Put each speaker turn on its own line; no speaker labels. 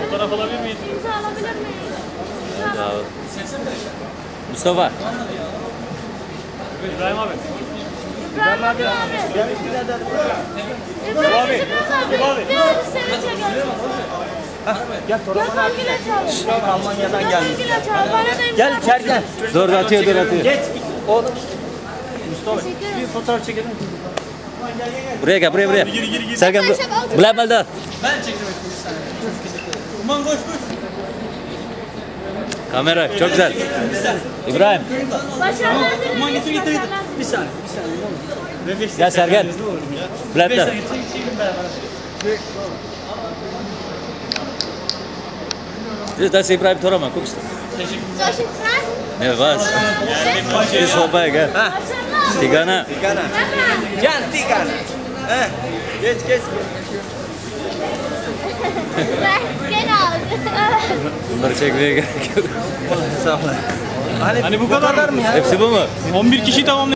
Fotoğraf alabilir miyiz?
İmza alabilir miyiz?
Sağ ol. Mustafa.
İbrahim abi.
İbrahim abi. İbrahim abi. Bir abi sevince gel.
Gel
Gel Kangil'e çağır.
Almanya'dan gelmiş.
Kangil'e çağır. Bana da imza
Gel içeri gel.
Dur atıyor dur atıyor.
Geç. Oğlum.
Teşekkür ederim.
Bir fotoğraf çekelim.
Buraya gel buraya.
Gir.
Sergen Bilal Balda.
Ben çektim bir saniye. Aman koş.
Kamera çok güzel. İbrahim.
Başarılar dilerim.
Aman getir.
Başarılar.
Bir saniye.
Gel Sergen. Bilal Balda.
Çekin beraber.
Das ist Ibrahim Toraman, guckst du?
Soll ich jetzt fragen?
Ne was? Ist vorbei, gell?
Başarılar.
Tigana.
Tigana.
Baba.
Gel Tigana. Geç.
Genau.
Bunları çekmeye gerek yok.
Sağ ol.
Hani bu kadar
mı ya?
Hepsi bu mu?
11 kişi tamam.